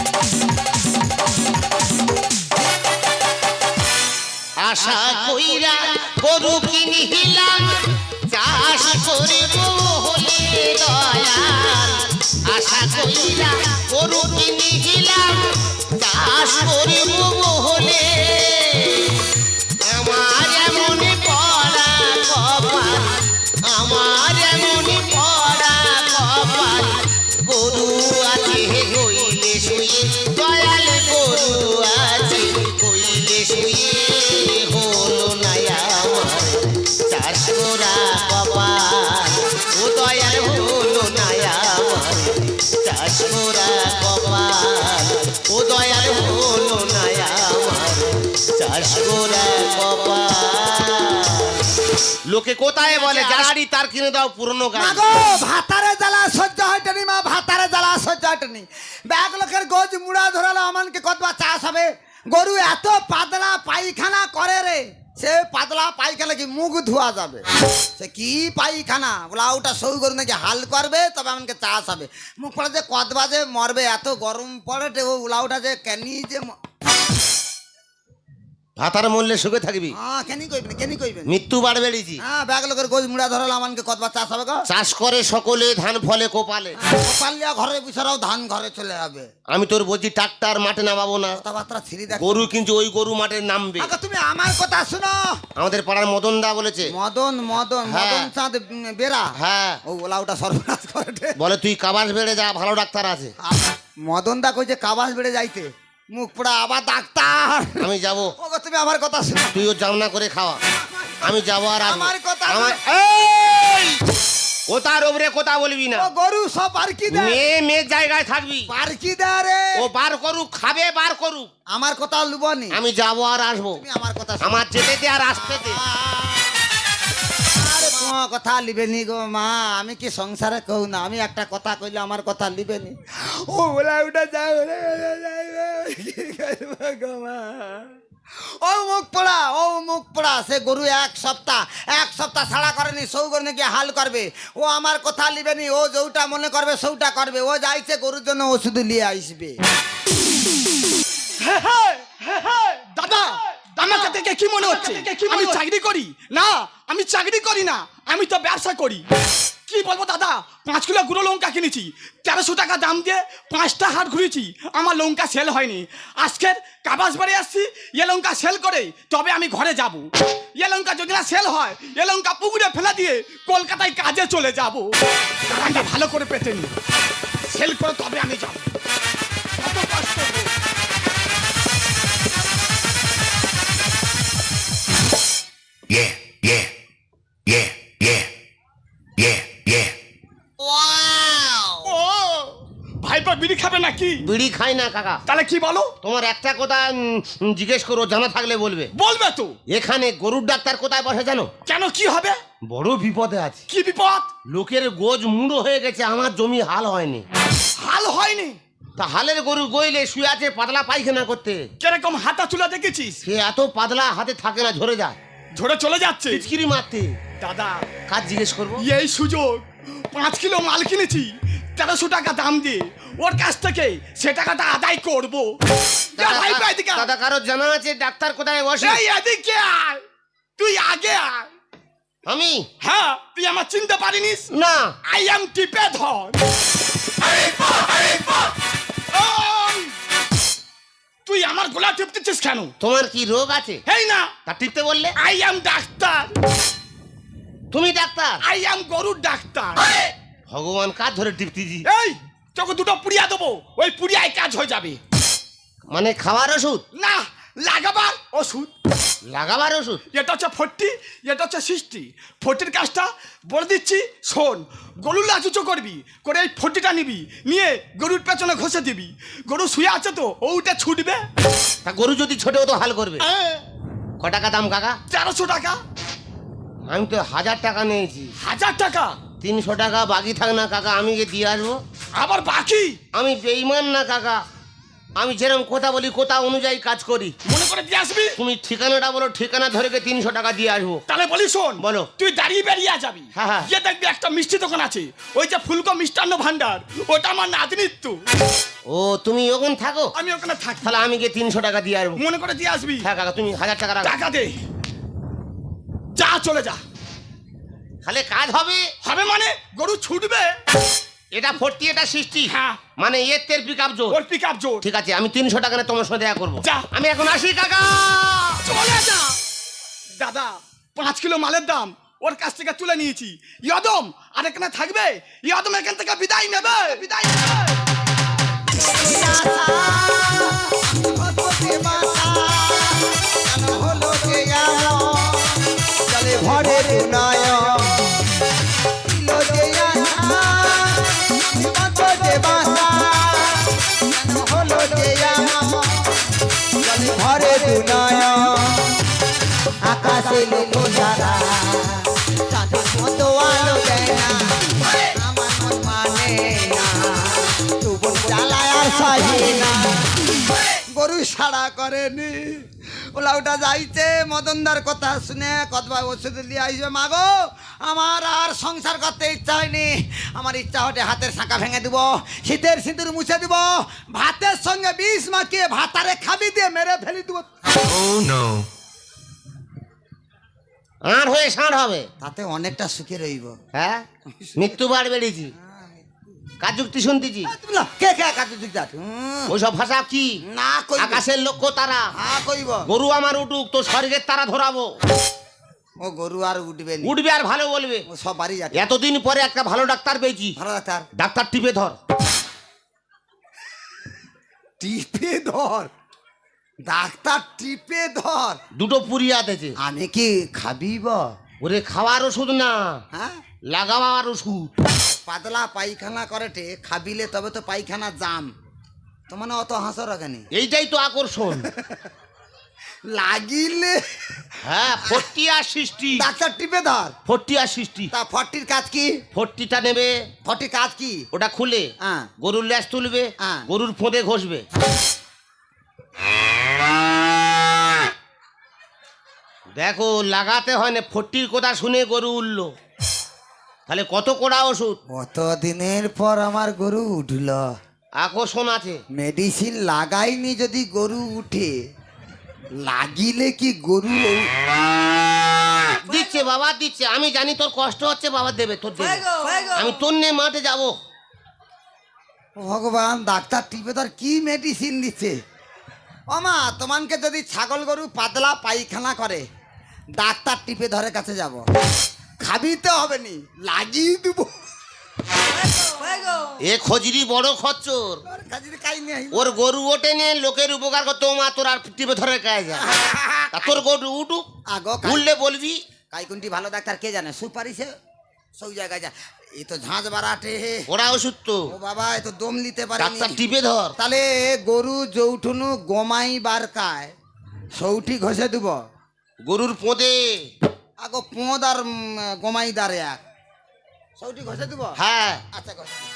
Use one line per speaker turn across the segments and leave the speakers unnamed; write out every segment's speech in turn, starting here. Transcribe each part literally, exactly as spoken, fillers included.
আশা কইরা গরু কিনিলাম চাষ করিব হলে দয়াল, আশা কইরা গরু কিনিলাম চাষ করিব হলে আমার এমন পড়া কপাল, আমার এমন পড়া কপাল, গরু আছে কইলে শুয়ে দয়াল, গরু আছে কইলে শুয়ে হলো না আমার চাষ করা কপাল, ও দয়াল হলো না আমার চাষ করা কপাল, ও দয়াল হলো না আমার চাষ করা কপাল। লোকে কোথায় বলে গাড়ি তার কিনে দাও পুরনো গাড়ি।
মাগো ভাতারে জ্বালা সহ্য হয়নি মা, ভাতারে জ্বালা সহ্য হয়নি। ব্যাগ লোকের গোজ মুড়া ধরালো আমানকে কতবা চাষ হবে। গরু এত পাতলা পায়খানা করে রে, সে পাতলা পায়খানা কি মুখ ধোয়া যাবে? সে কি পায়খানা বলা, ওটা সই গরু নাকি হাল করবে তবে আমাকে চাষ হবে। মুখ পড়ে যে কতবা যে মরবে, এত গরম পড়ে ও উলাউটা যে কেনি যে
ভাতার মূল্যে সুখে থাকবি।
হ্যাঁ কেনি কইবেন কেনি কইবেন
মৃত্যু বাড় বেড়েছি।
হ্যাঁ ব্যাগ লোকের গোজ মুড়া ধরালো আমানকে কতবা চাষ হবে গো।
চাষ করে সকলে ধান ফলে কোপালে,
পাল্লিয়া ঘরে বিছারাও ধান ঘরে চলে যাবে।
আমি তোর বলছি ট্রাক্টর মাঠে নামাবো না,
কথাবার্তা ছিড়ি দেখ।
গরু কিন্তু ওই গরু মাঠে নামবে।
আগে তুমি আমার কথা শুনো।
আমাদের পাড়ার মদন দা বলেছে।
মদন মদন
হ্যাঁ।
মদন চাঁদ বেরা,
হ্যাঁ
ও ওলা ওটা সর্বনাশ করে দে।
বলে তুই কাবাস বেড়ে যা, ভালো ডাক্তার আছে।
মদন দা কইছে কাবাস বেড়ে যাইতে, মুখ পোড়া আবার ডাক্তার।
আমি যাব,
ওগো তুমি আমার কথা শুনো।
তুইও জামনা করে খাওয়া, আমি যাবো আর আসবো।
আমার কথা
আমার
শুনো।
এই কোথার ওপরে কথা বলবি না।
ও গরু সব পারকি দে,
মেয়ে মেয়ে জায়গায় থাকবি।
পারকি দে রে।
ও বার করুক, খাবে বার করুক,
আমার কথা লুবনি।
আমি যাবো আর আসবো।
তুমি আমার কথা শুনো।
আমার যেতে দে আর আসতে দে।
আরে তোমার কথা লিবেনি গো মা, আমি কি সংসারে কও না, আমি একটা কথা কইলে আমার কথা লিবেনি। ও ওলা উঠা যাও রে গো মা। ও মুখ পোড়া, ও মুখ পোড়া, সে গরু এক সপ্তাহ এক সপ্তাহ ছাড়া করেনি, সৌ গরু নাকি হাল করবে। ও আমার কথা লিবেনি, ও যৌটা মনে করবে সৌটা করবে। ও যাইছে গরুর জন্য ওষুধ নিয়ে আসবে।
দাদা আমাকে দেখে কি মনে হচ্ছে আমি চাকরি করি? না আমি চাকরি করি না, আমি তো ব্যবসা করি। কি বলবো দাদা, পাঁচ কিলো গুঁড়ো লঙ্কা কিনেছি, তেরোশো টাকা দাম দিয়ে পাঁচটা হাট ঘুরেছি, আমার লঙ্কা সেল হয়নি। আজকের কাবাস বাড়ি আসছি, এ লঙ্কা সেল করে তবে আমি ঘরে যাব। এ লঙ্কা যদি না সেল হয়, এ লঙ্কা পুকুরে ফেলা দিয়ে কলকাতায় কাজে চলে যাব। টাকাটা ভালো করে পেতে নি, সেল করে তবে আমি যাব। কত কষ্ট গো।
Yeah, yeah, yeah, yeah, yeah, yeah.
ও ভাইপা বিড়ি খাবে নাকি?
বিড়ি খাই না কাকা।
তাহলে কি বলো?
তোমার একটা কথা উম, জিজ্ঞেস করো, জানা থাকলে বলবে।
বলবে তো।
এখানে গরুর ডাক্তার কোথায় বসে জানো?
কেন কি হবে?
বড় বিপদে আছে।
কি বিপদ?
লোকের গোজ মুড়ো হয়ে গেছে, আমার জমি হাল হয়নি।
হাল হয়নি?
তা হালের গরু গইলে শুয়ে আছে পাতলা পায়খানা করতে।
কিরকম হাতা চুলা দেখেছিস?
সে এত পাতলা হাতে থাকে না, ঝরে যায়,
ঝরে চলে যাচ্ছে।
পিচকিরি মারতে।
দাদা
কাজ জিজ্ঞেস করবো।
এই সুযোগ, পাঁচ কিলো মাল কিনেছি তেরোশো টাকা দাম দিয়ে, ওর কাছ থেকে সে টাকাটা আদায় করবো। যা ভাইপা এদিকে আয়।
দাদা কারো জানা আছে ডাক্তার কোথায় বসে?
এই এদিকে আয়, তুই আগে আয়।
আমি?
হ্যাঁ, তুই আমার চিনতে পারিনিস?
না।
আই এম টিপে ধর। ওই, তুই আমার গোলা টিপতেছিস কেন?
তোমার কি রোগ আছে?
এই না,
তা টিপতে বললে?
I am doctor.
তুমি ডাক্তার?
আই এম গরুর ডাক্তার।
ভগবান কাজ ধরে টিপতেছি।
এই তোকে দুটো পুড়িয়া দেবো, ওই পুড়িয়ায় কাজ হয়ে যাবে।
মানে খাবার ওষুধ
না, লাগাবার ওষুধ।
লাগাবার ওষুধ?
এটা হচ্ছে ফোর্টি, এটা হচ্ছে সিক্সটি। ফোর্টির কাজটা বলে দিচ্ছি শোন। গরুর লাচুচো করবি, করে এই ফোর্টিটা নিবি, নিয়ে গরুর পেছনে ঘষে দিবি। গরু শুয়ে আছে তো, ওটা ছুটবে।
তা গরু যদি ছোটেও তো হাল করবে।
হ্যাঁ,
ক টাকা দাম কাকা?
তেরোশো টাকা।
আমি তো হাজার টাকা নিয়েছি।
হাজার টাকা?
তিনশো টাকা বাকি থাক না কাকা, আমি গিয়ে দিয়ে আসবো।
আবার বাকি?
আমি বেইমান না কাকা, আমি যেরকম কথা বলি কথা অনুযায়ী কাজ করি।
মনে করে দিয়ে আসবি।
তুমি ঠিকানাটা বলো, ঠিকানা ধরে গিয়ে তিনশো টাকা দিয়ে আসবো।
তাহলে বলি শোন,
বলো।
তুই দাঁড়িয়ে বেরিয়ে যাবি,
হ্যাঁ, হ্যাঁ।
গিয়ে দেখবি একটা মিষ্টি দোকান আছে, ওই যে ফুলকো মিষ্টান্ন ভান্ডার, ওটা আমার নাতনির তো।
ও তুমি ওখানে থাকো?
আমি ওখানে থাকি।
তাহলে আমি গিয়ে তিনশো টাকা দিয়ে আসবো।
মনে করে দিয়ে আসবি।
হ্যাঁ কাকা, তুমি হাজার টাকা রাখো।
টাকা দে, যা চলে যা।
তাহলে কাজ হবে?
হবে মানে গরু ছুটবে।
এটা ফোর্টি, এটা সিক্সটি।
হ্যাঁ।
মানে এর তের পিক আপ জোর।
ওর পিক আপ জোর।
ঠিক আছে, আমি তিনশো টাকা নিয়ে তোমার সাথে দেখা করবো।
যা।
আমি এখন আসি কাকা।
চলে যা। দাদা, পাঁচ কিলো মালের দাম ওর কাছ থেকে তুলে নিয়েছি। ইয়াদম আর এখানে থাকবে, ইয়াদম এখান থেকে বিদায় নেবে, বিদায় নেবে।
ঘরে ঘরে আকাশে লোক সারা তাদের মতো আলো দেয় না, আমার মন মানে না, তুবন জ্বালায় আর সহে না। গরু সাড়া করেনি, ওলা ওটা যাইছে মদনদার কথা শুনে কতবা ওষুধ দিয়ে আইসবে। মাগো আমার আর সংসার করতে ইচ্ছা হয়নি, আমার ইচ্ছা হটে হাতের শাঁখা ভেঙে দিব, শীতের সিঁদুর মুছে দিব, ভাতের সঙ্গে বিষ মাখিয়ে ভাতারে খাবি দিয়ে মেরে ফেলি দিব।
Oh no.
আর হয়ে ষাঁড় হবে,
তাতে অনেকটা সুখে রইব।
হ্যাঁ মৃত্যুবার বেড়েছি, কাজ যুক্তি শুনতেছি।
কে কে কাজু দিকদার
ওইসব ভাষা কি?
না কই
আকাশের লক্ষ্য তারা।
হ্যাঁ কইব।
গরু আমার উঠুক, তো স্বর্গের তারা ধরাবো।
ও গরু আর উঠবে নি,
উঠবে আর ভালো বলবে।
ও সব বাড়ি যাচ্ছে।
এতদিন পরে একটা ভালো ডাক্তার পেয়েছি।
ভালো ডাক্তার,
ডাক্তার টিপে ধর।
টিপে ধর, ডাক্তার টিপে ধর।
দুটো পুরি আতেছে।
আমি কি খাবিব?
ওরে খাওয়ার ওষুধ না,
হ্যাঁ
লাগাবার ওষুধ।
পাতলা পায়খানা করেটে খাবিলে তবে তো পায়খানা জাম, তো মানে অত হাসো রাখেনি।
এইটাই তো আকর্ষণ।
লাগিলে
হ্যাঁ ফোর্টি আর সিক্সটি।
ডাক্তার টিপে ধর।
ফোর্টি আর সিক্সটি।
তা ফর্টির কাজ কি?
ফোর্টিটা নেবে,
ফর্টির কাজ কি?
ওটা খুলে
হ্যাঁ
গরুর ল্যাস তুলবে,
হ্যাঁ।
গরুর ফোঁদে ঘষবে। দেখো লাগাতে হয় না, ফোর্টির কথা শুনে গরু উঠলো, তাহলে কত কোড়া ওষুধ।
কত দিনের পর আমার গরু উঠল।
আকর্ষণ আছে।
মেডিসিন লাগাইনি যদি গরু উঠে, লাগিলে কি গরু
দিচ্ছে বাবা দিচ্ছে, আমি জানি তোর কষ্ট হচ্ছে, বাবা দেবে, তোর দেবে। আমি তোর নিয়ে মাঠে যাবো।
ভগবান, ডাক্তার টিপে ধর কি মেডিসিন দিচ্ছে। ওমা তোমাকে যদি ছাগল গরু পাতলা পায়খানা করে, ডাক্তার টিপে ধরে কাছে যাব, খাবিতে হবে নি, লাগিয়ে দেব।
এ খজরি বড় খচ্চর, ওর গরু ওঠে নিয়ে লোকের উপকার করতে, মা তোর আর টিপে ধরে কাজ যায়। তা তোর গরু উঠুক,
আগো
উঠলে বলবি।
কাইকুন্টি ভালো ডাক্তার কে জানে, সুপারিশে সব জায়গায় যা। এই তো ঝাঁঝ বাড়াটে,
ওরা ওষুধ তো।
ও বাবা এ তো দম নিতে পারে।
ডাক্তার টিপে ধর।
তাহলে গরু যৌঠুনু গমাই বারকায় সৌটি ঘষে দিব।
গরুর পোঁদে।
আগো পোঁদ আর উম, গমাই দারে এক সৌটি ঘষে দিব।
হ্যাঁ
আচ্ছা ঘষে দিব।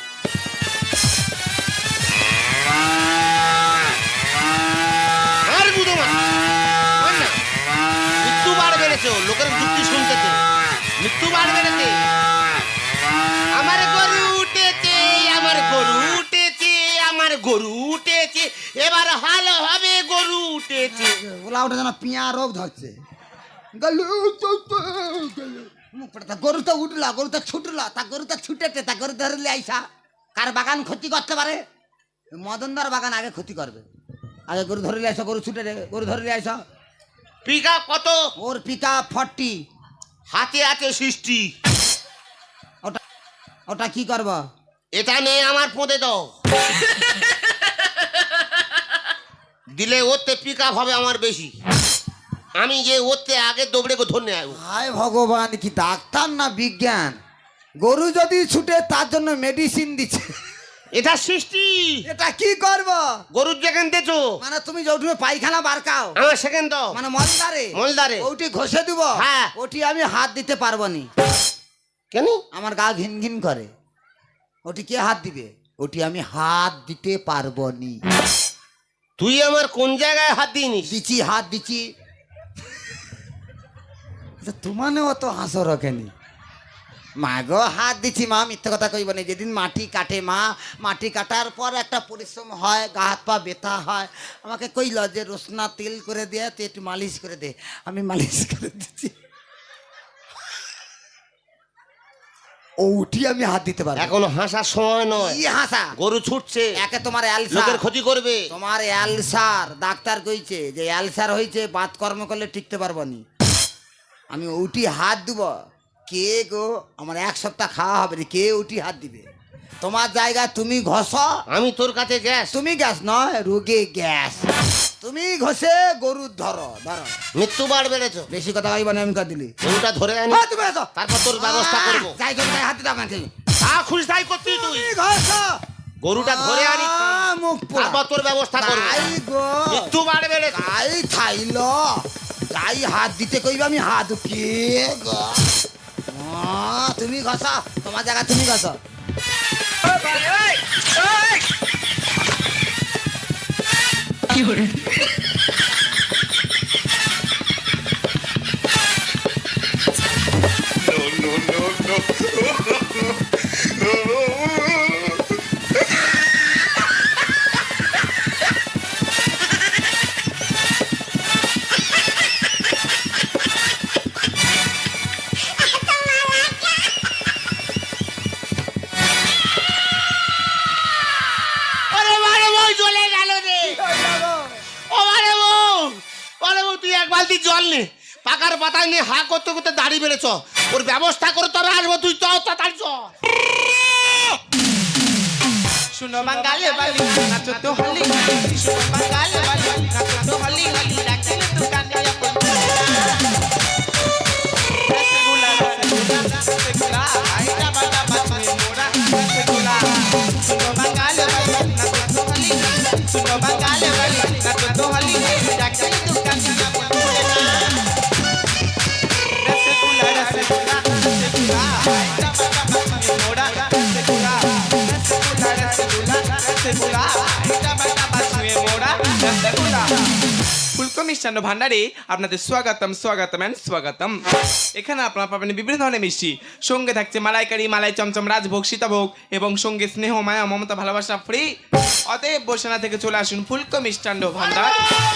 আর গুদো মা ওই না, মৃত্যু বার বেড়েছে, লোকের যুক্তি শুনতেছে, মৃত্যু বার বেড়েছে। আমার গরু উঠেছে, আমার গরু উঠেছে, আমার গরু উঠেছে, এবার হাল হবে, গরু উঠেছে।
ওলা ওটা যেন পিয়া রোগ ধরছে। গলু তো তো গলু। মুখ পড়ে তা গরু তো উঠলা, গরু তো ছুটলা, তা গরু তো ছুটেছে, তা গরু ধরলে আইসা কার বাগান ক্ষতি করতে পারে? মদনদার বাগান আগে ক্ষতি করবে। আগে গরু ধরলে আইসা, গরু ছুটে রে, গরু ধরলে আইসা।
পিকা কত?
ওর পিকা ফর্টি,
হাতে আছে সৃষ্টি।
ওটা ওটা কি করব?
এটা নিয়ে আমার পোঁদে দাও, দিলে ওতে পিক আপ হবে আমার বেশি। আমি যে ওতে আগে দৌড়ে গো ধরে আসবো।
হায় ভগবান, কি ডাক্তার না বিজ্ঞান! গরু যদি ছুটে তার জন্য মেডিসিন দিচ্ছে।
এটা সৃষ্টি।
এটা কি করব?
গরুর যেখান দেছো,
মানে তুমি যৌঠুমে পায়খানা বারকাও,
আমার সেকেন্ড দাও,
মানে মলদারে
মলদারে।
ওটি ঘষে দিব।
হ্যাঁ।
ওটি আমি হাত দিতে পারবো নি,
কেন?
আমার গা ঘিন ঘিন করে। ওটি কে হাত দিবে? ওটি আমি হাত দিতে পারবো নি।
তুই আমার কোন জায়গায় হাত দিইনি?
দিচ্ছি হাত দিচ্ছি। আচ্ছা, তোমানে অত হাসো রকেনি? মা গো হাত দিচ্ছি মা, মিথ্যে কথা কইব না। যেদিন মাটি কাটে মা, মাটি কাটার পর একটা পরিশ্রম হয়, গা হাত পা ব্যথা হয়, আমাকে কইল যে রসনা তেল করে দে, তুই একটু মালিশ করে দে। আমি মালিশ করে দিচ্ছি। ও উঠি আমি হাত দিতে পারবো।
এখনো হাসার সময় নয়।
কি হাসা?
গরু ছুটছে,
একে তোমার
লোকের
অ্যালসার,
ক্ষতি করবে।
তোমার অ্যালসার, ডাক্তার কইছে যে অ্যালসার হয়েছে, বাত কর্ম করলে টিকতে পারবো নি। আমি উঠি হাত দিব, কে গো আমার এক সপ্তাহ খাওয়া হবে রে, কে উঠি হাত দিবে? তোমার জায়গায় তুমি ঘষ,
আমি তোর কাছে গ্যাস।
তুমি গ্যাস নয়, রোগে গ্যাস। তুমি ঘষে গরুর ধরো ধরো।
মৃত্যু বাড় বেড়েছ।
বেশি কথা কইব না, আমি কর দিলি।
গরুটা ধরে আনি,
হ্যাঁ, তুমি এসো।
তারপর তোর ব্যবস্থা করবো।
যাই করবি তাই হাত দিতে আমাকে।
তা খুশি তাই করতি তুই।
তুমি ঘষ,
গরুটা ধরে আনি,
আহ, মুখ পোড়া।
তারপর তোর ব্যবস্থা করবো।
তাই গো।
মৃত্যু বাড় বেড়েছে।
গাই থাইল, গাই হাত দিতে কইবে, আমি হাত কে গো? আহ, তুমি ঘষা, তোমার জায়গা তুমি ঘষা।
ওরে বারে বউ চলে গেল রে। ও বারে বউ, বারে বউ তুই এক বালতি জল নে, পাকার পাতায় নিয়ে হা করতে করতে দাড়ি বেড়েছ। ওর ব্যবস্থা করে তোরা আসবো, তুই চ তাড়াতাড়ি চ।
শুনো বাঙালি বালি নাচো তো হলি শুনো বাঙালি বালি নাচো তো হলি হলি রাখলে দোকানে আপন রসগোল্লা রসগোল্লা রসগোল্লা আইটা বাটা বাজে মোরা রসগোল্লা শুনো বাঙালি বালি নাচো তো হলি শুনো বাঙালি বালি নাচো তো হলি রাখলে দোকানে আপন রসগোল্লা রসগোল্লা রসগোল্লা আইটা বাটা বাজে মোরা রসগোল্লা ফুলকো মিষ্টান্ন ভান্ডারে আপনাদের স্বাগতম স্বাগতম এন্ড স্বাগতম। এখানে আপনারা পাবেন বিভিন্ন ধরনের মিষ্টি, সঙ্গে থাকছে মালাইকারি, মালাই চমচম, রাজভোগ, সীতাভোগ এবং সঙ্গে স্নেহ, মায়া, মমতা, ভালোবাসা ফ্রি। অতএব বসেনা থেকে চলে আসুন ফুলকো মিষ্টান্ন ভান্ডার।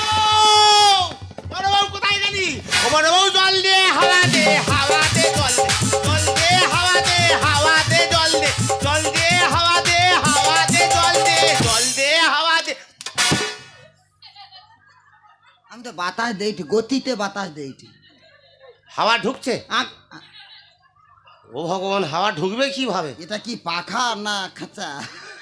বড় বউ কোথায় গেলি? ও বড় বউ জল দে, হাওয়া দে, হাওয়া দে জল দে, জল দে হাওয়া দে, হাওয়া দে জল দে, জল দে হাওয়া দে, হাওয়া দে জল দে, জল দে হাওয়া দে।
আমি তো বাতাস দেইটি, গতিতে বাতাস দেইটি।
হাওয়া ঢুকছে?
আ- আ-
ও ভগবান, হাওয়া ঢুকবে কিভাবে?
এটা কি পাখা না খাঁচা?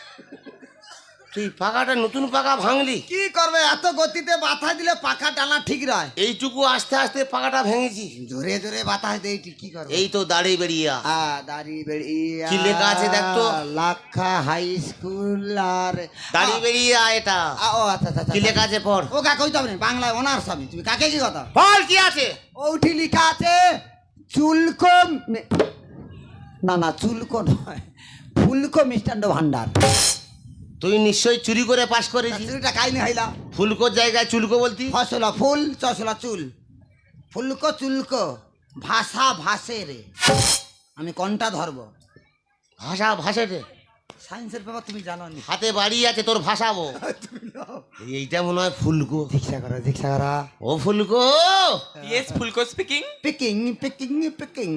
তুই পাকাটা নতুন পাকা ভাঙলি?
কি করবে, এত গতিতে বাতাস দিলে পাখা টানা ঠিক রয়।
এইটুকু আস্তে আস্তে পাকাটা ভেঙেছি।
জোরে জোরে বাতাস দেইটি, কি করবে?
এই তো দাড়ি বেরিয়া।
আ, দাড়ি বেরিয়ে
কি লেখা আছে দেখ তো?
লাক্ষা হাই স্কুল আর
দাড়ি বেরিয়া এটা।
আ, ও আচ্ছা আচ্ছা
কি লেখা আছে পড়।
ও কাকে কইতে হবে না, বাংলায় অনার্স আমি। তুমি কাকে কি কথা?
বল কি আছে?
ওইটি লেখা আছে চুলকো মে- না না চুলকো নয়, ফুলকো মিষ্টান্ন ভান্ডার।
তুই নিশ্চয়ই চুরি করে পাস করেছিস।
চুরিটা কাইনি হইলা।
ফুলকোর জায়গায় চুলকো বলতি।
ফসলা ফুল চসলা চুল, ফুলকো চুলকো, ভাষা ভাসে রে। আমি কোনটা ধরবো?
ভাষা ভাষে রে।
সায়েন্সের ব্যাপার তুমি জানো নি।
হাতে বাড়ি আছে, তোর ভাষাবো। এইটা মনে হয় ফুলকো।
দীক্ষা করা দীক্ষা করা।
ও ফুলকো,
ইয়েস ফুলকো স্পিকিং।
Peking Peking Peking.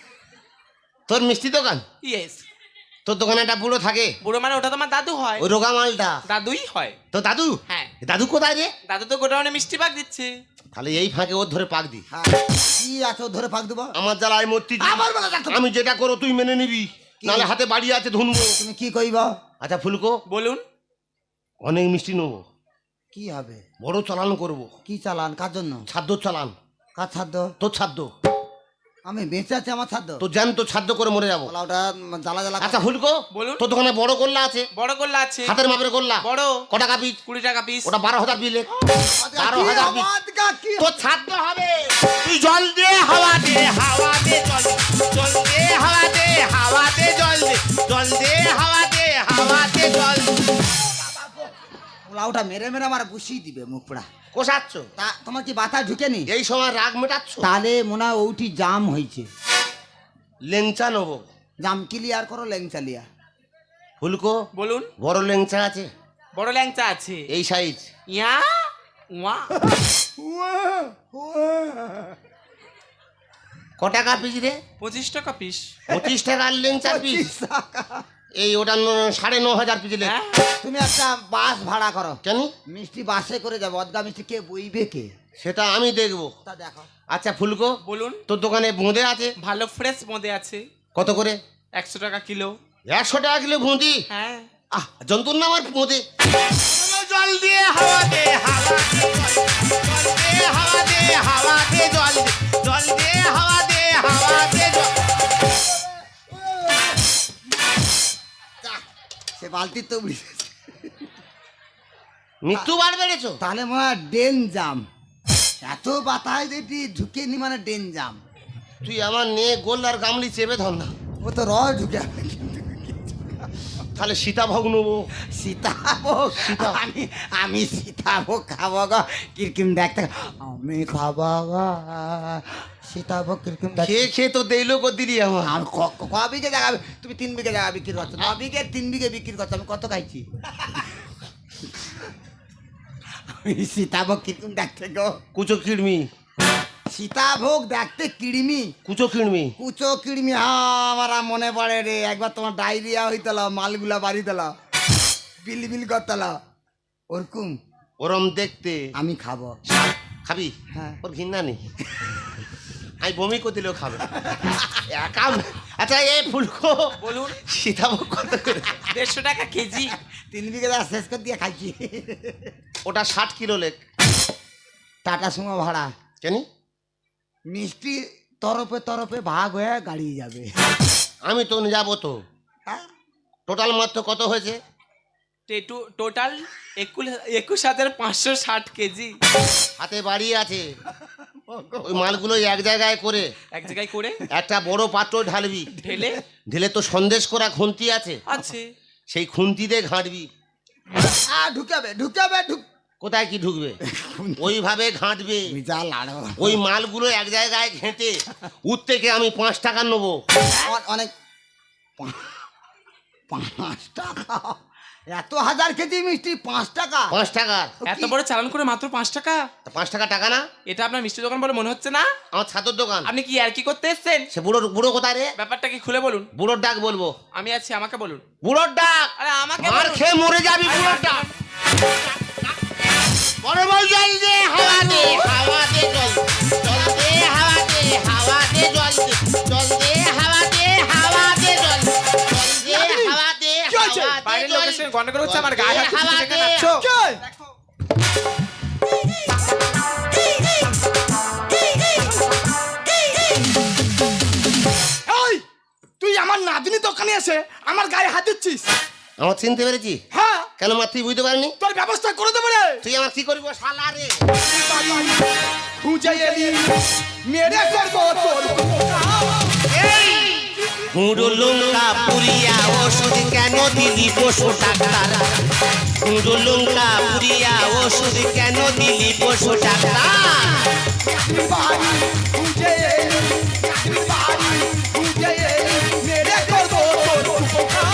তোর মিষ্টি দোকান?
ইয়েস।
তোর দোকানে একটা বুড়ো থাকে,
বুড়ো মানে ওটা তোমার দাদু হয়।
ওই রোগা মালটা
দাদুই হয়।
তো দাদু?
হ্যাঁ।
দাদু কোথায় রে?
দাদু তো গোডাউনে মিষ্টি পাক দিচ্ছে।
তাহলে এই ফাঁকে ওর ধরে পাক দি।
হ্যাঁ, কি আছে ওর ধরে ফাঁক দেবো?
আমার জ্বালায় মূর্তি।
আবার বলো দেখো।
আমি যেটা করো তুই মেনে নিবি, নাহলে হাতে বাড়ি আছে ধুনবো।
তুমি কি কইব?
আচ্ছা ফুলকো,
বলুন।
অনেক মিষ্টি নেবো,
কি হবে?
বড় চালান করবো।
কি চালান? কার জন্য?
ছাদ্য চালান।
কার ছাদ্য?
তোর ছাদ্য।
আমি বেঁচে আছি, আমার ছাদ্য?
তো জান তো ছাদ্য করে মরে যাবো।
বলা ওটা জ্বালা জ্বালা।
আচ্ছা ফুলকো,
বলুন।
তোর দোকানে বড় গোল্লা আছে?
বড় গোল্লা আছে।
হাতের মাপের গোল্লা?
বড়।
ক টাকা পিস?
কুড়ি টাকা পিস।
ওটা বারো হাজার বিলে। বারো
কি
হাজার পিস।
আওয়াজ গা, কি
তোর ছাদ্য হবে। তুই জল দে, হাওয়া দে, হাওয়া দে জল দে, জল দে হাওয়া দে, হাওয়া দে জল দে, জল দে হাওয়া দে, হাওয়া দে জল দে।
লাউটা মেরে মেরে আমার বুঝিয়ে দিবে মুখ পোড়া।
কোষাচ্ছ
তা তোমার কি বাতা ঢুকেনি?
এই সময় রাগ মেটাচ্ছ।
তাহলে মনে হয় ওইটি জাম হয়েছে।
লেংচা নেবো।
জাম ক্লিয়ার করো, লেংচা লিয়া।
ফুলকো
বলুন।
বড় লেংচা আছে?
বড় ল্যাংচা আছে।
এই সাইজ।
ইয়া ওয়া
ক টাকা পিস রে?
পঁচিশ টাকা পিস।
পঁচিশ টাকার লেংচা পিস? এই ওটা ন- সাড়ে ন হাজার পিস লেং।
হ্যাঁ?
তুমি একটা বাস ভাড়া করো।
কেন?
মিষ্টি বাসে করে যাবো, অদগা মিষ্টি কে বইবে কে?
সেটা আমি দেখবো।
তা দেখো।
আচ্ছা ফুলকো,
বলুন।
তোর দোকানে বোঁদে আছে?
ভালো ফ্রেশ মধ্যে আছে।
কত করে?
একশো টাকা কিলো।
একশো টাকা কিলো বুঁদি?
হ্যাঁ।
আহ জন্তুর নাম আর বোঁদে। জল দিয়ে হাওয়া দে হাওয়া দে জল দে হাওয়া দে হাওয়া দে জল দে জল দে হাওয়া দে হাওয়া দে জল।
সে বালতি তো
মৃত্যু বার বেড়েছো?
তাহলে মনে হয় ডেন জাম। এত বাতায় যেটি ঢুকে নি মানে ডেন জাম।
তুই আমার নিয়ে গোল আর গামলি চেপে ধর না।
ও তো রস ঢুকে।
তাহলে সীতাভোগ নেবো।
সীতাভোগ?
সীতা
আমি আমি সীতাভোগ খাবো গো। কিরকিম দেখতে আমি খাবো গো সীতাভোগ। কিরকিম দেখতে
খেয়ে খেয়ে তো দেইলো কো দিলি আমার।
আমি ক- ক- ক বিঘে জায়গা তুমি তিন বিঘে জায়গা বিক্রি করছো, ন বিঘে তিন বিঘে বিক্রি করছো, আমি কত খাইছি? আমি সীতাভোগ কিরকম দেখতে গো?
কুচো কিড়মি।
সীতাভোগ দেখতে কিড়মি।
কুচো কিড়মি।
কুচো কিড়মি, হ্যাঁ আমার আর মনে পড়ে রে। একবার তোমার ডায়রিয়া হইতল, মালগুলা বাড়ি দিল, বিল বিল করতল, ওরকম
ওরম দেখতে।
আমি খাবো।
খাবি?
হ্যাঁ।
ওর ঘৃণা নেই। আমি বমি করে দিলেও খাবে। একা আচ্ছা এই ফুলকো
বলুন।
সীতাভোগ কত করে?
দেড়শো টাকা কেজি।
তিন বিঘে জায়গা শেষ করে দিয়ে খাইছি।
ওটা ষাট কিলো লেখ।
টাটা সুমো ভাড়া।
কেন?
মিষ্টি তরফে তরফে ভাগ হয়ে গাড়ি যাবে।
আমি তো যাবো তো।
হ্যাঁ?
টোটাল মাত্র কত হয়েছে?
টেটু- টোটাল একুশ একুশ হাজার পাঁচশো ষাট কেজি।
হাতে বাড়ি আছে, ওই মালগুলো এক জায়গায় করে
এক জায়গায় করে
একটা বড় পাত্র ঢালবি।
ঢেলে
ঢেলে তো সন্দেশ করা খুন্তি আছে,
আছে।
সেই খুন্তি দিয়ে ঘাঁটবি।
আ ঢুকাবে ঢুকাবে ঢুক।
কোথায় কি ঢুকবে? ওইভাবে ঘাঁটবে।
তুমি যা লাড়ো।
ওই মালগুলো এক জায়গায় ঘেঁটে উঠ থেকে আমি পাঁচ টাকা নেবো।
অ- অনেক পা- পাঁচ টাকা? এত হাজার কেজি মিষ্টি পাঁচ টাকা?
পাঁচ টাকা?
এত বড় চালান করে মাত্র পাঁচ টাকা?
তা পাঁচ টাকা টাকা না?
এটা আপনার মিষ্টি দোকান বলে মনে হচ্ছে না?
আমার ছাতুর দোকান।
আপনি কি আর কি করতে এসেছেন?
সে বুড়ো বুড়ো কোথায় রে?
ব্যাপারটা কি খুলে বলুন।
বুড়োর ডাক বলবো?
আমি আছি, আমাকে বলুন।
বুড়োর ডাক?
আরে আমাকে
মার
বলুন।
খেয়ে মরে যাবি বুড়োর ডাক। বড় বল জল দে হাওয়া দে হাওয়া দে জল জল দে হাওয়া দে হাওয়া দে জল দে জল দে হাওয়া দে হাওয়া দে জল জল দে হাওয়া দে
কি হয়েছে?
হাওয়া দে
বাইরের
জল।
লোকের সঙ্গে গন্ডগোল হচ্ছে, আমার গায়ে হাত
হাওয়া
দিচ্ছে,
দে।
দেখাচ্ছো?
এই তুই আমার নাতনি দোকানে এসে আমার গায়ে হাত দিচ্ছিস?
আমার চিনতে পেরেছি?
হ্যাঁ,
কেন মা তুই বুঝতে পারিনি?
তোর ব্যবস্থা করে দেবো রে।
তুই আমার কি করবো শালা রে?
খুঁজে এলি মেরে করবো তোর।
গুঁড়ো লঙ্কা পুরিয়া ওষুধ কেন দিলি পশু ডাক্তার? গুঁড়ো লঙ্কা পুরিয়া ওষুধ কেন দিলি পশু ডাক্তার?
বাড়ি খুঁজে এলি, বাড়ি খুঁজে এলি মেরে করবো তোর উপকার।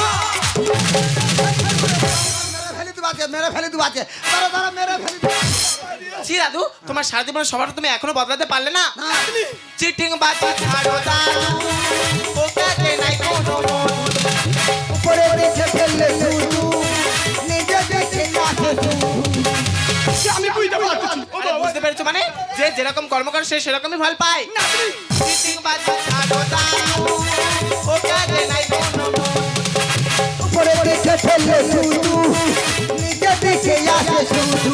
মেরে ফেলে দিবাছে, মেরে ফেলে দিবাছে, তারা তারা মেরে ফেলে দিবাছে।
ছি দাদু, তোমার সারা জীবনের সবার তুমি এখনো বদলাতে পারলে না?
না,
চিটিং বাজি ছাড়ো দাদু, ওটাতে নাই কোনো মন।
উপরে দেখে ফেললে শুধু, নিজে দেখে আসে শুধু।
সে আমি বুঝতে পারছি।
আরে বুঝতে পেরেছো মানে? যে যেরকম কর্ম করে সে সেরকমই ফল পায়। চিটিং বাজি ছাড়ো দাদু, ওটাতে নাই কোনো মন।
উপরে দেখে ফেললে শুধু, নিজে দেখে আসে শুধু।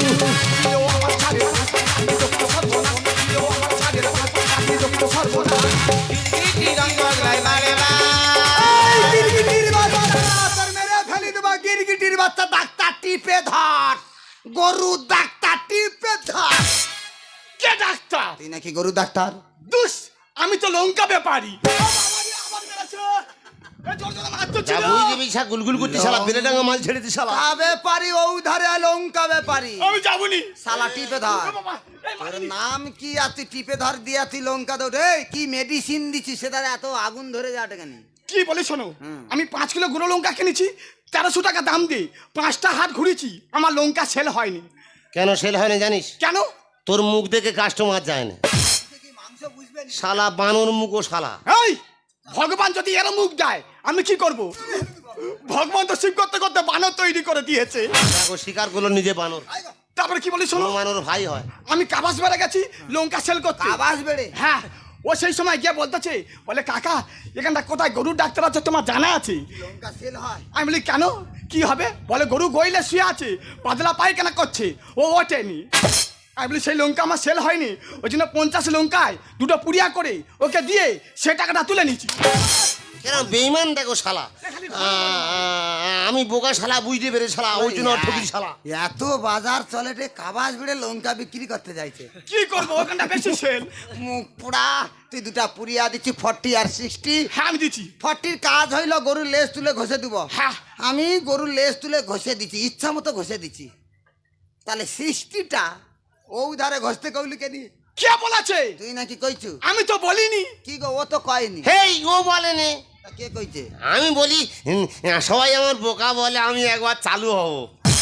গিরগিটি রং বদলায় বারে বার।
এই গিরগিটির বাচ্চা, তোর মেরে ফেলে দেবা গিরগিটির বাচ্চা। ডাক্তার টিপে ধর, গরু ডাক্তার টিপে ধর।
কে ডাক্তার?
তুই নাকি গরু ডাক্তার?
দুস, আমি তো লঙ্কা ব্যাপারী। আমার মেরেছে। এ জোর জোরে মারতো
যা
ছিল।
বুঝ দিবি সা গুলগুল করতে শালা বেলে ডাঙ্গা মাল ছেড়ে দিস শালা
কা ব্যাপারি ও ধারে লঙ্কা ব্যাপারি
আমি যাবনি।
শালা টিপে ধর
এ বাবা, এই
তোর
মারিনি।
নাম কি আছে টিপে ধর দিয়া তুই লঙ্কা দৌড় এই কি মেডিসিন দিছিস সেটা এত আগুন ধরে যাওয়াটা কেন
কি বলি শোনো,
হুম।
আমি পাঁচ কিলো গুঁড়ো লঙ্কা কিনেছি তেরোশো টাকা দাম দিয়ে, পাঁচটা হাট ঘুরেছি, আমার লঙ্কা সেল হয়নি।
কেন সেল হয় না জানিস
কেন?
তোর মুখ দেখে কাস্টমার যায় না
মাংস বুঝবে
শালা বানর মুখ ও শালা
এই ভগবান যদি এর মুখ দেয় আমি কি করব? ভগবান তো শিব করতে করতে বানর তৈরি করে দিয়েছে।
দেখো শিকার করলো নিজে বানর
তারপরে কি বলি শোনো,
কোনো বানর ভাই হয়
আমি কাবাস বেড়ে গেছি লঙ্কা সেল করতে।
আবাস বেড়ে
হ্যাঁ, ও সেই সময় গিয়ে বলতেছে, বলে কাকা এখানটা কোথায় গরুর ডাক্তার আছে তোমার জানা আছে?
লঙ্কা সেল হয়
আমি বলি কেন, কি হবে? বলে গরু গইলে শুয়ে আছে, পাতলা পায়খানা করছে, ও ওঠেনি। আমি বলি সেই লঙ্কা আমার সেল হয়নি, ওই জন্য পঞ্চাশ লঙ্কায় দুটো পুড়িয়া করে ওকে দিয়ে সে টাকাটা তুলে নিচ্ছি।
কেন বেইমান দেখো শালা আ, আ, আমি বোকা শালা বুঝতে পেরে শালা ওই জন্য ঠকি শালা
এত বাজার চলে রে কাবাস বেড়ে লঙ্কা বিক্রি করতে যাইছে
কি করবো, ওখানটা বেশি সেল।
মুখ পোড়া তুই দুটা পুরিয়া দিচ্ছি ফর্টি আর সিক্সটি
হ্যাঁ আমি দিচ্ছি।
ফর্টির কাজ হইলো গরুর লেজ তুলে ঘষে দিব
হ্যাঁ।
আমি গরুর লেজ তুলে ঘষে দিচ্ছি ইচ্ছা মতো ঘষে দিচ্ছি তাহলে সিক্সটিটা ও ধারে ঘষতে কইলি কেনি
কে বলেছে?
তুই নাকি কইছু
আমি তো বলিনি।
কি গো ও তো কয়নি
হেই ও বলেনি
তা কে কইছে
আমি বলি হুম, সবাই আমার বোকা বলে আমি একবার চালু হব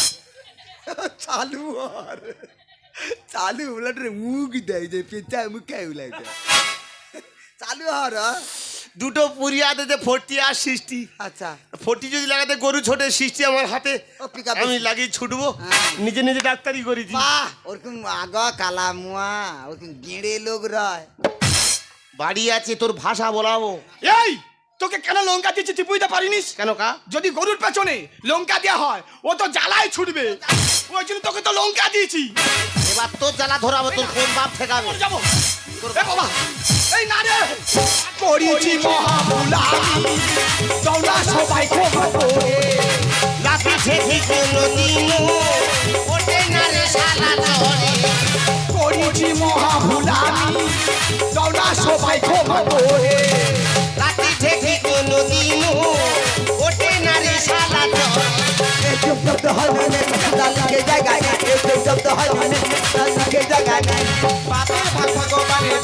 চালু আর চালু উলাটে মুখ দেয় যে পেঁচা মুখে উলাই চালু হর
দুটো পুরিয়া দিতে ফোরটি আর সিক্সটি
আচ্ছা
ফোরটি যদি লাগাতে গরু ছোটে সিক্সটি আমার হাতে
ও পিক আপ
আমি লাগিয়ে ছুটবো
হ্যাঁ।
নিজে নিজে ডাক্তারি করেছি
বাহ ওরকম আগা কালা মুয়া ওরকম গেঁড়ে লোক রয়
বাড়ি আছে তোর ভাষা বলাবো
এই তোকে কেন লঙ্কা দিচ্ছি তুই বুঝতে পারিনিস?
কেন কা
যদি গরুর পেছনে লঙ্কা দেওয়া হয় ও তো জ্বালায় ছুটবে, ওই জন্য তোকে তো লঙ্কা দিয়েছি।
এবার তোর জ্বালা ধরাবো তোর কোন বাপ ঠেকাবে
মরে যাবো। এ বাবা, এই না রে করিছি মহামুলামি, দৌলা সবাই ক্ষমা করে।
লাঠি ঠেকি কোনোদিনও ওঠে না রে শালা চরে
করিছি মহামুলামি, দৌলা সবাই ক্ষমা করে।
লাঠি ঠেকি কোনোদিনও ওঠে না রে শালা চরে
চুপ চুপ তো হয় না তার লাগে জায়গায় চুপ চুপ তো হয় না তার লাগে জায়গায়
বাপের ভাগ ভগবানের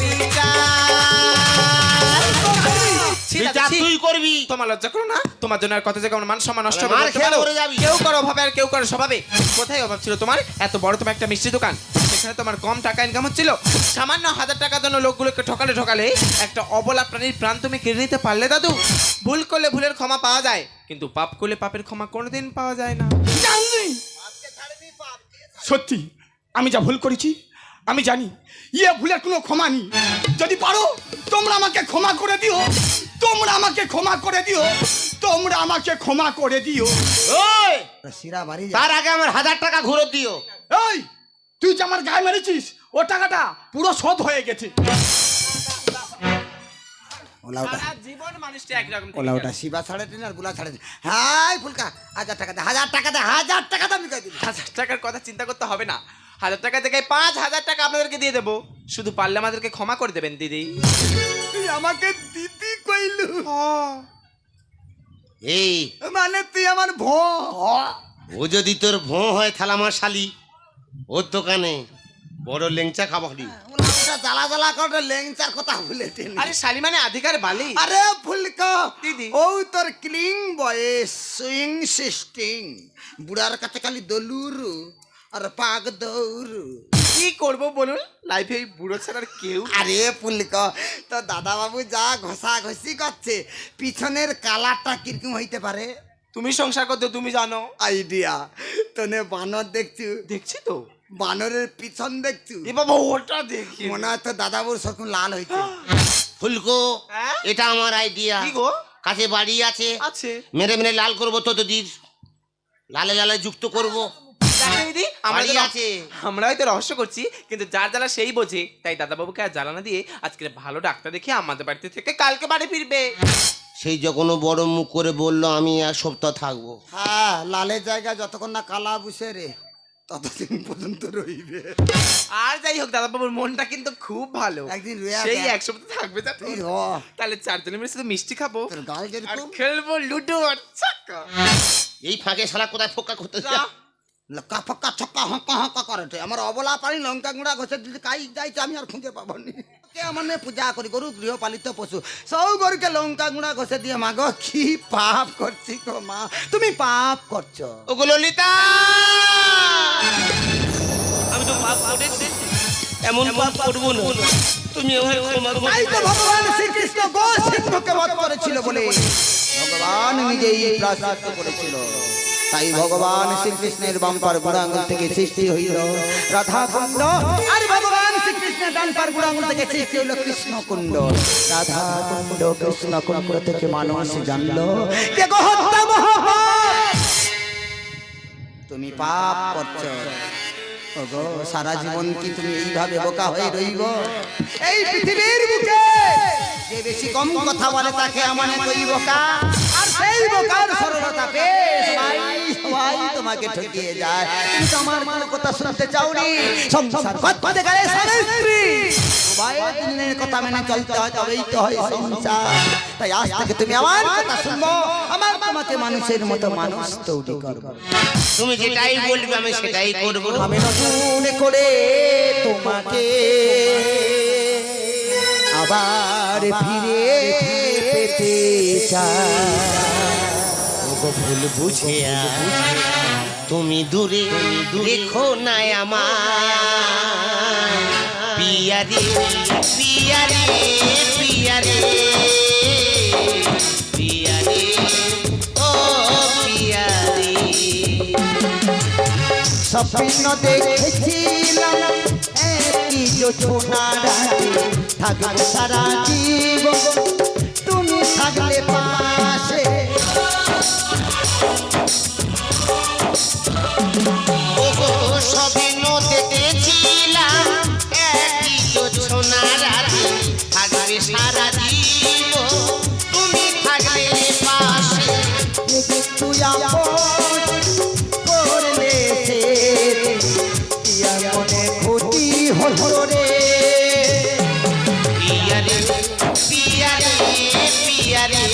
বিচার।
বিচার তুই করবি
তোমার লজ্জা করো না? তোমার জন্য আর কত জায়গায় আমার মান সম্মান নষ্ট হবে
মার
বলতে
খেয়ে
পারো?
মরে যাবি।
কেউ করো অভাবে আর কেউ করো স্বভাবে। কোথায় অভাব ছিল তোমার? এত বড় তোমার একটা মিষ্টি দোকান, সেখানে তোমার কম টাকা ইনকাম হচ্ছিল, সামান্য হাজার টাকার জন্য লোকগুলোকে ঠকালে ঠকালে একটা অবলা প্রাণীর প্রাণ তুমি কেড়ে নিতে পারলে দাদু? ভুল করলে ভুলের ক্ষমা পাওয়া যায়, কিন্তু পাপ করলে পাপের ক্ষমা কোনোদিন পাওয়া যায় না।
জানি সত্যি আমি যা ভুল করেছি আমি জানি, ইয়ে ভুলের কোনো ক্ষমা নেই। যদি পারো তোমরা আমাকে ক্ষমা করে দিও, তোমরা আমাকে ক্ষমা করে দিও, তোমরা আমাকে ক্ষমা করে দিও।
ওই
শিরা বাড়ি
তার আগে আমার হাজার টাকা ঘুরো দিও
এই তুই যে আমার গায়ে মেরেছিস ও টাকাটা পুরো শোধ হয়ে গেছে।
ওলাউটা
সারা জীবন মানুষটা একরকম থেকে
ওলাউটা
গেল।
শিবা ছাড়ে দিন আর গুলা ছাড়ে দিন হাই ফুলকা হাজার টাকা দে হাজার টাকা দে হাজার টাকা দাম কই দিবি
হাজার টাকার কথা চিন্তা করতে হবে না, হাজার টাকা থেকে পাঁচ হাজার টাকা আপনাদেরকে দিয়ে দেবো, শুধু পারলে আমাদেরকে ক্ষমা করে দেবেন দিদি।
তুই আমাকে দিদি কইলু
এই
মানে তুই আমার ভ
ও যদি তোর ভোঁ হয় তাহলে আমার শালি ওর দোকানে বড় লেংচা খাবারি
ওলাউটা জ্বালা জ্বালা করে লেংচার কথা ভুলে টেলি
আরে শালি মানে আধিকার বালি।
আরে ফুলকা
দিদি।
ও তোর ক্লিং বয়েস সুইং সিস্টিং বুড়ার কাছে খালি দলুরু আর পাক দৌড়ু
কি করবো বলুন, লাইফে এই বুড়ো ছাড়ার কেউ নেই।
আরে ফুলকা তো দাদা বাবু যা ঘষা ঘষি করছে পিছনের কালারটা কিরকম হইতে পারে
তুমি সংসার করতে তুমি জানো।
আইডিয়া তোনে বানর দেখছু
দেখছি তো,
বানরের পিছন দেখছু
এ বাবা ওটা দেখি।
মনে হয় তো দাদা বাবুর সরকম লাল হয়েছে
ফুলকো
হ্যাঁ?
এটা আমার আইডিয়া
কি গো?
কাছে বাড়ি আছে
আছে
মেরে মেরে লাল করবো তো তোদের লালে লালে যুক্ত করব
দেখো দিদি, আমরা
বাড়ি
তো
আছে
আমরা হয়তো রহস্য করছি, কিন্তু যার জ্বালা সেই বোঝে, তাই দাদা বাবুকে আর জ্বালা না দিয়ে আজকে ভালো ডাক্তার দেখে আমাদের বাড়িতে থেকে কালকে বাড়ি ফিরবে।
সেই যখন ও বড় মুখ করে বললো আমি এক সপ্তাহ থাকবো
হ্যাঁ লালের জায়গায় যতক্ষণ না কালা বুসে রে ততদিন পর্যন্ত রইবে।
আর যাই হোক দাদা বাবুর মনটা কিন্তু খুব ভালো,
একদিন রয়ে
সেই
আসবে।
এক সপ্তাহ থাকবে যা।
তুই র।
তাহলে চারজনে মিলে শুধু মিষ্টি খাবো
তোর গাল
আর
যেরকম
খেলবো লুডো আর চাকা।
এই ফাঁকে শালা কোথায় ফোকা করতে
যা।
লক্কা ফক্কা ছক্কা হক্কা হক্কা করে আমার অবলা পানি লঙ্কা গুঁড়া ঘষে দিতে কাই যাইছে আমি আর খুঁজে পাবনি। কে মানে পূজা করি গরু গৃহপালিত পশু সব গরুকে লঙ্কা গুঁড়া ঘষে দিয়ে মা গো কি পাপ করছি গো মা, তুমি পাপ করছো।
ওগো ললিতা, আমি তো পাপ করেছি, এমন পাপ করবো না, তুমি আমায় ক্ষমা করো।
তাই তো ভগবান শ্রীকৃষ্ণ গো সিংহকে বধ করেছিল বলে ভগবান নিজেই প্রায়শ্চিত্ত করেছিল। তাই ভগবান শ্রীকৃষ্ণের বামপার বুড়া আঙুল থেকে সৃষ্টি হইল রাধা কুণ্ড, আর ভগবান শ্রীকৃষ্ণের ডানপার বুড়া আঙুল থেকে সৃষ্টি হইল কৃষ্ণ কুণ্ড। রাধা কুণ্ড কৃষ্ণ কুণ্ড থেকে মানুষ জানলো যে গো হত্যা মহাপাপ, তুমি পাপ করছো। ওগো সারা জীবন কি তুমি এইভাবে বোকা হয়ে রইব? এই পৃথিবীর বুকে যে বেশি কম কথা বলে তাকে আমার কই বোকা, আর সেই বোকার সরলতা পেয়ে সবাই সবাই তোমাকে ঠকিয়ে যায়। তুমি তো আমার কোনো কথা শুনতে চাওনি। সংসার করতে গেলে স্বামী স্ত্রী সবাই দিনের কথা মেনে চলতে হয়, তবেই তো হয় সংসার। তাই আজ থেকে তুমি আমার কথা শুনবো, আমার তোমাকে মানুষের মতো মানুষ তৈরি করবো।
তুমি যেটাই বলবে আমি সেটাই করবো।
আমি নতুন করে তোমাকে আবার ফিরে পেতে চাই।
ওগো ভুল বুঝে তুমি দূরে দেখো না আমায়, পিয়ারে পিয়ারে পিয়ারে পিয়ারে ও পিয়ারে।
স্বপ্ন দেখেছিলাম একই জোছনা রাতে থাকবে সারা জীবন, তুমি থাকলে পাশে।
ওগো স্বপ্ন দেখেছিলাম একই জোছনা রাতে থাকবে সারা জীবন, তুমি থাকবে পাশে।
তুই আপন করলে সে মনে ক্ষতি হলো রে।
পিয়ারে পিয়ারে পিয়ারে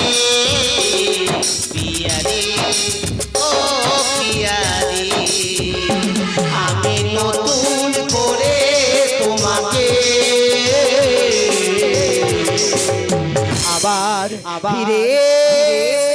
পিয়ারে ও পিয়ারে, আমি নতুন করে তোমাকে
আবার ফিরে